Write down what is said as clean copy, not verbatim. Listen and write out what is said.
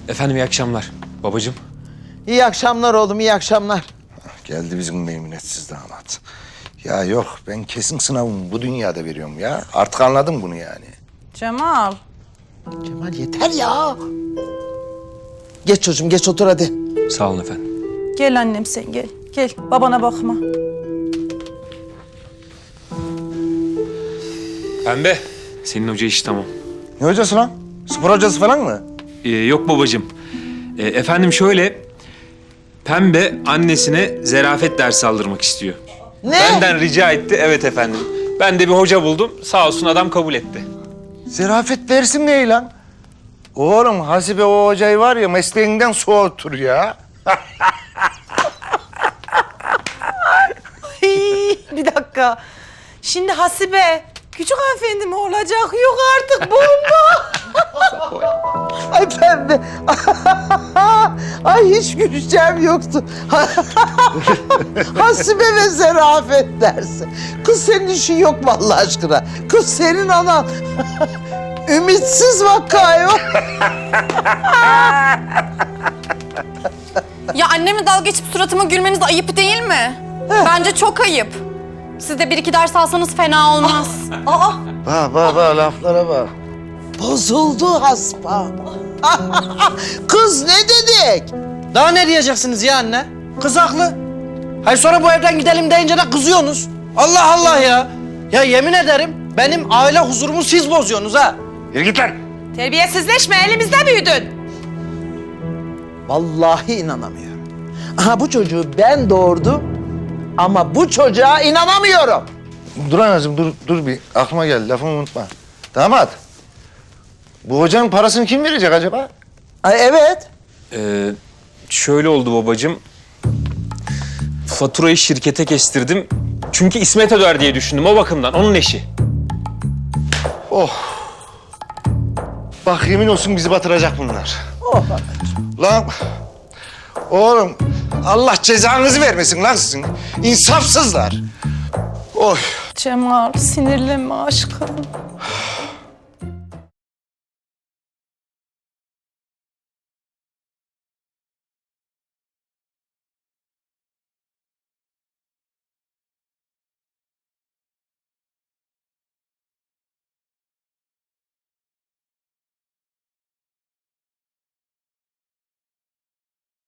Efendim iyi akşamlar. Babacığım. İyi akşamlar oğlum, iyi akşamlar. Geldi bizim meymenetsiz damat. Ya yok, ben kesin sınavımı bu dünyada veriyorum ya. Artık anladım bunu yani. Cemal. Cemal yeter ya. Geç çocuğum, geç otur hadi. Sağ olun efendim. Gel annem sen gel. Gel babana bakma. Pembe. Senin hoca iş tamam. Ne hocası lan? Spor hocası falan mı? Yok babacığım. Efendim şöyle... Pembe annesine zerafet dersi aldırmak istiyor. Ne? Benden rica etti. Evet efendim. Ben de bir hoca buldum. Sağ olsun adam kabul etti. Zerafet dersi ne lan? Oğlum Hasibe o hocayı var ya mesleğinden soğutur ya. Bir dakika. Şimdi Hasibe, küçük hanımefendi mi olacak? Yok artık bomba. Ay pembe. Ay hiç güleceğim yoktu. Hasibe ve zerafet dersi. Kız senin işin yok mu Allah aşkına? Kız senin anan. Ümitsiz vaka yok. Ya annemle dalga geçip suratıma gülmeniz ayıp değil mi? Bence çok ayıp. Siz de bir iki ders alsanız fena olmaz. Aa, Bak laflara bak. Bozuldu haspa. Kız ne dedik? Daha ne diyeceksiniz ya anne? Kız haklı. Hayır sonra bu evden gidelim deyince de kızıyorsunuz. Allah Allah ya. Ya yemin ederim benim aile huzurumu siz bozuyorsunuz ha. Yürü git lan. terbiyesizleşme, elimizde büyüdün. Vallahi inanamıyorum. Aha bu çocuğu ben doğurdum ama bu çocuğa inanamıyorum. Dur anacığım dur bir aklıma geldi lafımı unutma. Damat. Bu hocanın parasını kim verecek acaba? Ay evet. Şöyle oldu babacığım. Faturayı şirkete kestirdim. Çünkü İsmet öder diye düşündüm o bakımdan. Onun eşi. Oh. Bak yemin olsun bizi batıracak bunlar. Oh. Lan oğlum Allah cezanızı vermesin lan sizin. İnsafsızlar. Oy. Cemal, sinirlenme aşkım.